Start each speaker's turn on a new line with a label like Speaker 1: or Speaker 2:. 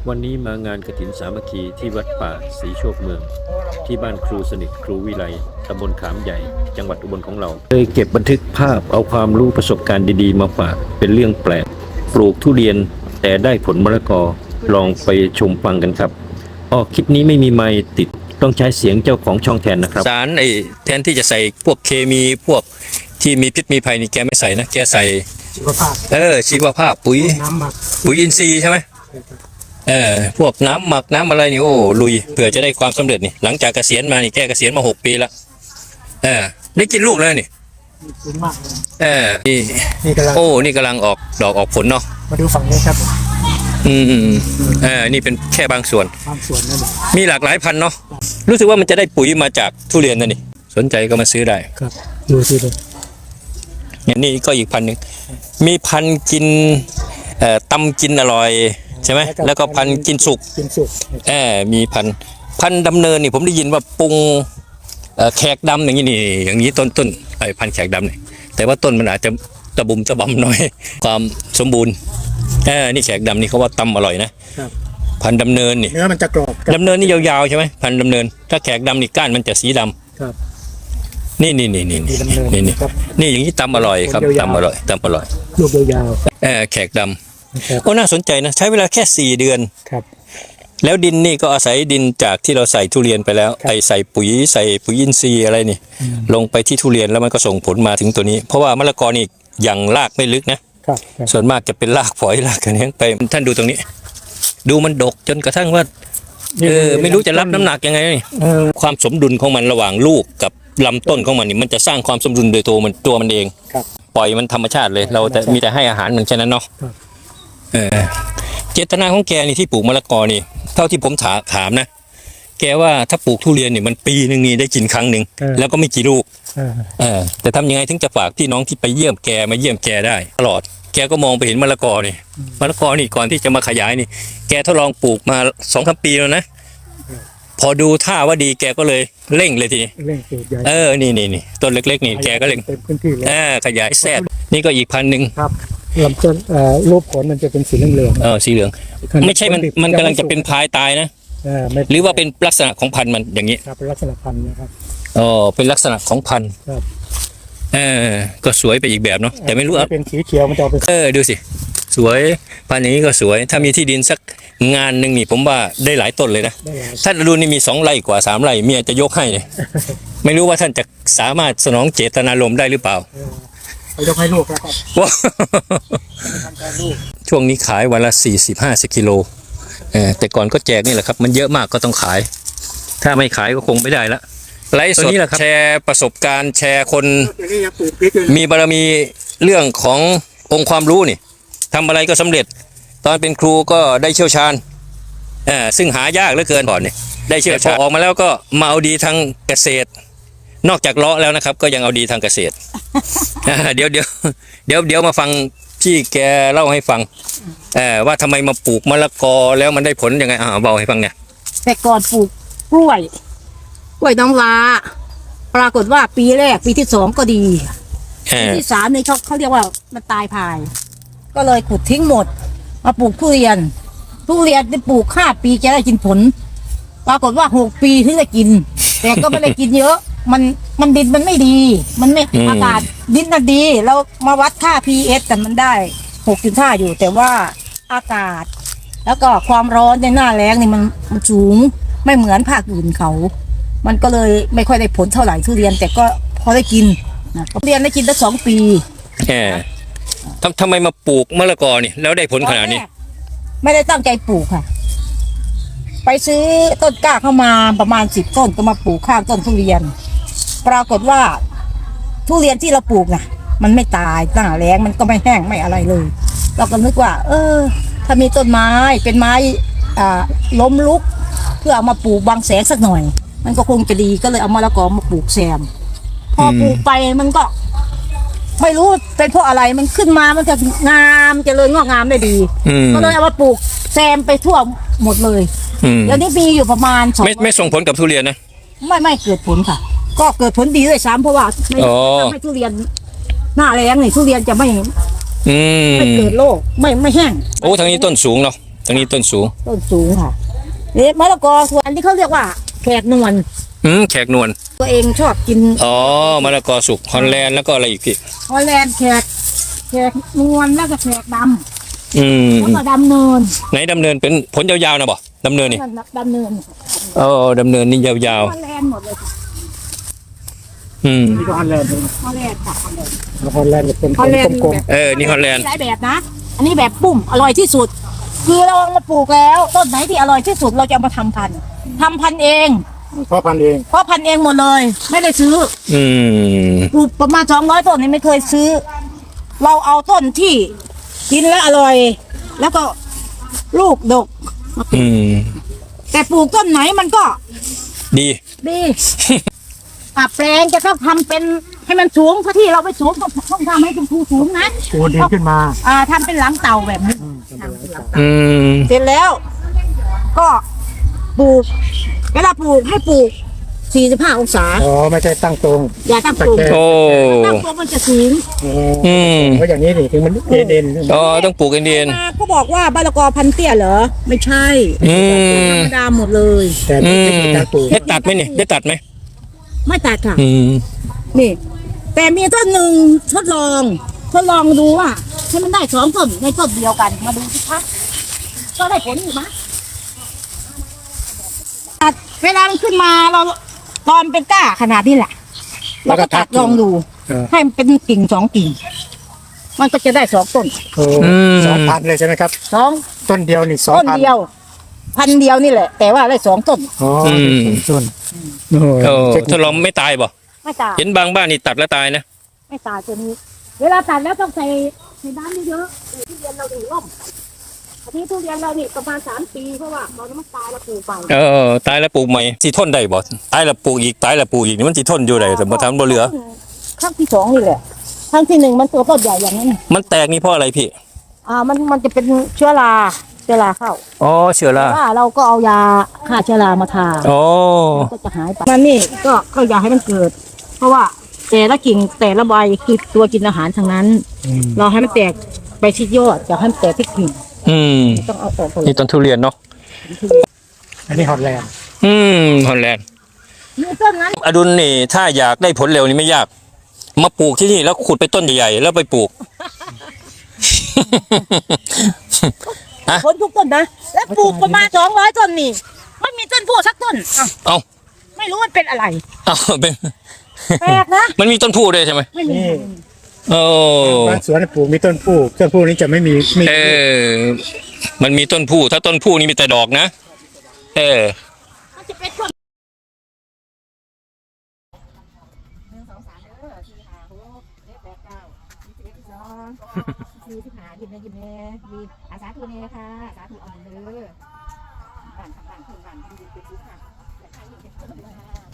Speaker 1: วันนี้มางานกฐินสามัคคีที่วัดป่าศรีโชคเมืองที่บ้านครูสนิทครูวิไลตำบลขามใหญ่จังหวัดอุบลของเราเคยเก็บบันทึกภาพเอาความรู้ประสบการณ์ดีๆมาฝากเป็นเรื่องแปลกปลูกทุเรียนแต่ได้ผลมะละกอลองไปชมฟังกันครับคลิปนี้ไม่มีไมค์ติดต้องใช้เสียงเจ้าของช่องแทนนะครับ
Speaker 2: สารแทนที่จะใส่พวกเคมีพวกที่มีพิษมีภัยนี่แกไม่ใส่นะแกใส่
Speaker 3: ชีวภาพ
Speaker 2: ชีวภาพปุ๋ย
Speaker 3: น้ำหมัก
Speaker 2: ปุ๋ยอินทรีย์ใช่ไหมพวกน้ำหมักน้ำอะไรนี่โอ้ลุยเผื่อจะได้ความสำเร็จนี่หลังจากเกษียณมานี่แกเกษียณมา6 ปีละได้กินลูกแล้วนี่
Speaker 3: มากเลย
Speaker 2: นี่กำลังนี่กำลังออกดอกออกผลเนาะ
Speaker 3: มาดูฝั่งนี้ครับ
Speaker 2: นี่เป็นแค่บางส่วน
Speaker 3: นั่น
Speaker 2: มีหลากหลายพันธุ์เนาะรู้สึกว่ามันจะได้ปุ๋ยมาจากทุเรียนนั่นนี่สนใจก็มาซื้อได้
Speaker 3: ครับดูสิดู
Speaker 2: อย่างนี้ก็อีกพันหนึ่งมีพันกินตำกินอร่อยใช่ไหมแล้วก็พันกินสุกมีพันดำเนินนี่ผมได้ยินว่าปรุงแขกดำอย่างนี้ต้นพันแขกดำนี่แต่ว่าต้นมันอาจจะตะบุ่มตะบำหน่อยความสมบูรณ์นี่แขกดำนี่เขาว่าตำอร่อยนะพันดำเนินนี่
Speaker 3: เนื้อมันจะกรอบ
Speaker 2: ดำเนินนี่ยาวๆใช่ไหมพันดำเนินถ้าแขกดำนี่ก้านมันจะสีดำ
Speaker 3: ครับ
Speaker 2: นี่อย่างนี้ตำอร่อยครับตำอร่อย
Speaker 3: ลูกยาว
Speaker 2: แขกดำก็น่าสนใจนะใช้เวลาแค่4 เดือน
Speaker 3: ครับ
Speaker 2: แล้วดินนี่ก็อาศัยดินจากที่เราใส่ทุเรียนไปแล้วใส่ปุ๋ยอินทรีย์อะไรนี่ลงไปที่ทุเรียนแล้วมันก็ส่งผลมาถึงตัวนี้เพราะว่ามะละกอนี่ยังรากไม่ลึกนะส่วนมากจะเป็นรากฝอยรากกระเนี้ยไปท่านดูตรงนี้ดูมันดกจนกระทั่งว่าไม่รู้จะรับน้ำหนักยังไงนี่ความสมดุลของมันระหว่างลูกกับลำต้นของมันนี่มันจะสร้างความสมดุลโดยตัวมันเองปล่อยมันธรรมชาติเลยเราแต่มีแต่ให้อาหารมันแค่นั้นเนาะเจตนาของแกนี่ที่ปลูกมะละกอนี่เท่าที่ผมถามนะแกว่าถ้าปลูกทุเรียนนี่มันปีนึงนี่ได้กินครั้งหนึ่งแล้วก็ไม่กี่ลูกแต่ทำยังไงถึงจะฝากพี่น้องที่ไปเยี่ยมแกมาเยี่ยมแกได้ตลอดแกก็มองไปเห็นมะละกอนี่ก่อนที่จะมาขยายนี่แกทดลองปลูกมา2-3 ปีแล้วนะพอดูท่าว่าดีแกก็เลยเร่งเลยทีนี้นี่ต้นเล็กๆนี่แกก็เร่งขยายแทรกนี่ก็อีกพันหนึ่ง
Speaker 3: ครับลำต้นรูปผลมันจะเป็นสีเหลือง
Speaker 2: สีเหลืองไม่ใช่มันกำลังจะเป็นพายตายนะหรือว่าเป็นลักษณะของพันธุ์มันอย่างนี้
Speaker 3: ครับเป็นลักษณะพันธุ์นะครับ
Speaker 2: เป็นลักษณะของพันธุ์
Speaker 3: ครับ
Speaker 2: ก็สวยไปอีกแบบเนาะแต่ไม่รู้
Speaker 3: เป็นสีเขียวมันจะเป็น
Speaker 2: ดูสิสวยพันธุ์อย่างนี้ก็สวยถ้ามีที่ดินสักงานหนึ่งนี่ผมว่าได้หลายต้นเลยนะท่านรุ่นนี้มี2 ไร่กว่า3 ไร่เมียจะยกให้เลยไม่รู้ว่าท่านจะสามารถสนองเจตนารมณ์ได้หรือเปล่
Speaker 3: ายกให้ลูกแล้วครับ
Speaker 2: ช่วงนี้ขายวันละ40-50 กิโลแต่ก่อนก็แจกนี่แหละครับมันเยอะมากก็ต้องขายถ้าไม่ขายก็คงไม่ได้ละไลฟ์สดแชร์ประสบการณ์แชร์คนมีบารมีเรื่องขององค์ความรู้นี่ทำอะไรก็สำเร็จตอนเป็นครูก็ได้เชี่ยวชาญซึ่งหายากเหลือเกินก่อนนี่ได้เชี่ยวชาญออกมาแล้วก็มาเอาดีทางเกษตรนอกจากเลาะแล้วนะครับก็ยังเอาดีทางเกษตรเดี๋ยวมาฟังที่แกเล่าให้ฟังว่าทำไมมาปลูกมะละกอแล้วมันได้ผลยังไงเบาให้ฟังเนี่ย
Speaker 4: แต่ก่อนปลูกกล้วยน้ำว้าปรากฏว่าปีแรกปีที่ 2ก็ดีปีที่ 3นี่เขาเรียกว่ามันตายพายก็เลยขุดทิ้งหมดมาปลูกทุเรียนได้ปลูก5 ปีจะได้กินผลปรากฏว่า6 ปีถึงจะกินแต่ก็ไม่ได้กินเยอะมันดินมันไม่ดีมันไม่อากาศดินน่ะดีเรามาวัดค่า pH แต่มันได้6.5อยู่แต่ว่าอากาศแล้วก็ความร้อนในหน้าแล้งนี่มันสูงไม่เหมือนภาคอื่นเขามันก็เลยไม่ค่อยได้ผลเท่าไหร่ทุเรียนแต่ก็พอได้กินนะทุเรียนได้กินได้2 ปี
Speaker 2: ทำไมมาปลูกมะละกอนี่แล้วได้ผลขนาดนี้
Speaker 4: ไม่ได้ตั้งใจปลูกค่ะไปซื้อต้นกล้าเข้ามาประมาณ10 ต้นก็มาปลูกข้างต้นทุเรียนปรากฏว่าทุเรียนที่เราปลูกน่ะมันไม่ตายหน้าแล้งมันก็ไม่แห้งไม่อะไรเลยเราก็นึกว่าถ้ามีต้นไม้เป็นไม้ล้มลุกเพื่อเอามาปลูกบังแสงสักหน่อยมันก็คงจะดีก็เลยเอามะละกอมาปลูกแซมพอปลูกไปมันก็ไม่รู้เป็นเพราะอะไรมันขึ้นมามันจะงามเจริญงอกงามได้ดีก็เลยเอามาปลูกแซมไปทั่วหมดเลยแล้วนี่มีอยู่ประมาณ
Speaker 2: ไม่ส่งผลกับทุเรียนนะ
Speaker 4: ไม่เกิดผลค่ะก็เกิดผลดีด้วยซ้ำเพราะว่าไม่ทำให้ทุเรียนหน้าแล้งนี่ทุเรียนจะไม่เกิดโรคไม่แห้ง
Speaker 2: ทางนี้ต้นสูงเนาะตรงนี้ต้นสูง
Speaker 4: ต้นสูงค่ะนี่มะละกอส่วนอันที่เขาเรียกว่าแขกนวล
Speaker 2: แขกนวล
Speaker 4: ตัวเองชอบกิน
Speaker 2: อ๋อมะละกอสุกฮอลแลนด์แล้วก็อะไรอีกพี่
Speaker 4: ฮอลแลนด์แขกนวลแล้วก็แขกดำ
Speaker 2: อืม
Speaker 4: แล้วก็ดำเนิน
Speaker 2: ไหนดำเนินเป็นผลยาวๆนะบ่ดำเนินนี่
Speaker 4: ดำเนิน
Speaker 2: อ๋อดำเนินนี่ยาว
Speaker 4: ฮอลแลนด์หมดเลยค่ะ
Speaker 2: ๆ
Speaker 3: นี่ก็ฮอลแลนด์
Speaker 4: ฮอลแลนด์ค่ะฮอลแลนด์
Speaker 3: ฮอลแลนด์เป็น
Speaker 4: ฮอลแลนด์
Speaker 3: กลม
Speaker 2: นี่ฮอลแลนด์
Speaker 4: มีหลายแบบนะ อันนี้แบบปุ้มอร่อยที่สุด คือเราเอามาปลูกแล้วต้นไหนที่อร่อยที่สุดเราจะเอามาทำพันธุ์เอง
Speaker 3: ๆเพราะพันธุ์เอง
Speaker 4: เพราะพันธุ์เองหมดเลย ไม่ได้ซื้อ
Speaker 2: อืม
Speaker 4: ปลูกประมาณ200 ต้นนี่ไม่เคยซื้อ เราเอาต้นที่กินแล้วอร่อย แล้วก็ลูกดก
Speaker 2: อืม
Speaker 4: แต่ปลูกต้นไหนมันก็
Speaker 2: ดี
Speaker 4: ดีแปลงจะต้องทำเป็นให้มันสูงเพราะที่เราไปสูงต้องทำให้เป็นภูสูงนะ
Speaker 3: ปูนดินขึ้นมา
Speaker 4: ทำเป็นหลังเต่าแบบนี้
Speaker 2: อืม
Speaker 4: เสร็จแล้ว ก็ปลูกเวลาปลูกให้ปลูก45 องศา
Speaker 3: อ๋อไม่ใช่ตั้งตรง
Speaker 4: อย่าตั้งปลูก
Speaker 2: โอ้
Speaker 4: ตั้งปลูกมันจะสูง
Speaker 2: อืม
Speaker 3: เพราะอย่างนี้นี่ถึงมันเด่น
Speaker 2: อ๋อต้องปลูกเอ็น
Speaker 4: มาก็บอกว่าบะละกอพันเตี้ยเหรอไม่ใช่
Speaker 2: อืม
Speaker 4: ธรรมดาหมดเลย
Speaker 3: แต่
Speaker 2: อื
Speaker 3: ไม่
Speaker 2: ม
Speaker 3: ใช่การปลูก
Speaker 2: ได้ตัดไหมเนี่ยได้ตัดไหม
Speaker 4: ไม่ตัดค่ะ
Speaker 2: อืม
Speaker 4: นี่ แต่มีต้นหนึ่งทดลองดูว่าให้มันได้2 ต้นในต้นเดียวกันมาดูสิคะก็ได้ผลอยู่นะตัดเวลามันขึ้นมาเราตอนเป็นก้าขนาดนี้แหละเราก็ตัดลองดู ให้มันเป็นกิ่ง2 กิ่ง มันก็จะได้2 ต้น
Speaker 3: โอ้2,000เลยใช่ไหมครับ
Speaker 4: 2
Speaker 3: ต้นเดียวนี่
Speaker 4: ต้น
Speaker 3: 2,000
Speaker 4: เดียวพันเดียวนี่แหละ แต่ว่าได้2 ต้น
Speaker 3: อ๋อ
Speaker 2: อืม
Speaker 3: ต้นโอ้
Speaker 2: โอ้
Speaker 3: เทคนิ
Speaker 2: ถ้า
Speaker 3: ค
Speaker 2: เราไม่ตายบ่
Speaker 4: ไม่ตาย
Speaker 2: เห็นบางบ้านนี่ตัดแล้วตายนะ
Speaker 4: ไม่ตายตัวนี้ เวลาตัดแล้วต้องใส่น้ำเยอะๆทุเรียนเราถึงร่มอันนี้ทุเรียนเรานี่ประมาณ3 ปีเพราะว่าตอนนั้นมันตายแล้วปลูกไป
Speaker 2: ตายแล้วปลูกใหม่สิทนได้บ่ตายแล้วปลูกอีกตายแล้วปลูกอีกนี่มันสิทนอยู่ได้แต่บ่ทำบ่เหลือ
Speaker 4: ครั้งที่ 2นี่แหละครั้งที่ 1มันตัวต้นใหญ่อย่างนั้น
Speaker 2: มันแตกนี่เพราะอะไรพี่
Speaker 4: มันจะเป็นเชื้อราเข้า
Speaker 2: อ๋อเชื้อรา
Speaker 4: ว่าเราก็เอายาฆ่าเชื้อรามาทา
Speaker 2: อ๋อ
Speaker 4: ก็จะหายไปมันนี่ก็อย่าให้มันเกิด เพราะว่าแต่ละกิ่งแต่ละใบคือตัวกินอาหารทั้งนั้น เราให้มันแตกไปที่ยอดอย่าให้มันแตกที่กิ่ง
Speaker 2: อืม
Speaker 4: ต้องเอาออกก่อน
Speaker 2: นี่ต้นทุเรียนเนาะ
Speaker 3: อันนี้ฮอลแลนด์
Speaker 2: ฮอลแลนด์
Speaker 4: มีต้นนั้น
Speaker 2: อดุลนี่ถ้าอยากได้ผลเร็วนี่ไม่ยาก มาปลูกที่นี่แล้วขุดไปต้นใหญ่ๆแล้วไปปลูก
Speaker 4: ผลทุกต้นนะ แล้วปลูกประมาณ200 ต้นนี่ไม่มีต้นโพสักต้นอ่ะ
Speaker 2: เอ้า
Speaker 4: ไม่รู้มันเป็นอะไร
Speaker 2: เอ้าเป็น
Speaker 4: แปลกนะ
Speaker 2: มันมีต้นพูด้วยใช่ไหม
Speaker 4: ไม่มี
Speaker 3: นี่
Speaker 2: โอ้
Speaker 3: บ้านสวนปลูกมีต้นผู้นี้จะไม่มี
Speaker 2: มันมีต้นพูถ้าต้นพูนี่มีแต่ดอกนะ
Speaker 4: มันจะเป็นต้นยิ้มแน่มีอาสาธุเน่ค่ะอาสาธุเอาเด้อบ้านทำบ้านขึ้นบ้านที่ดีเป็นทุกข์ค่ะ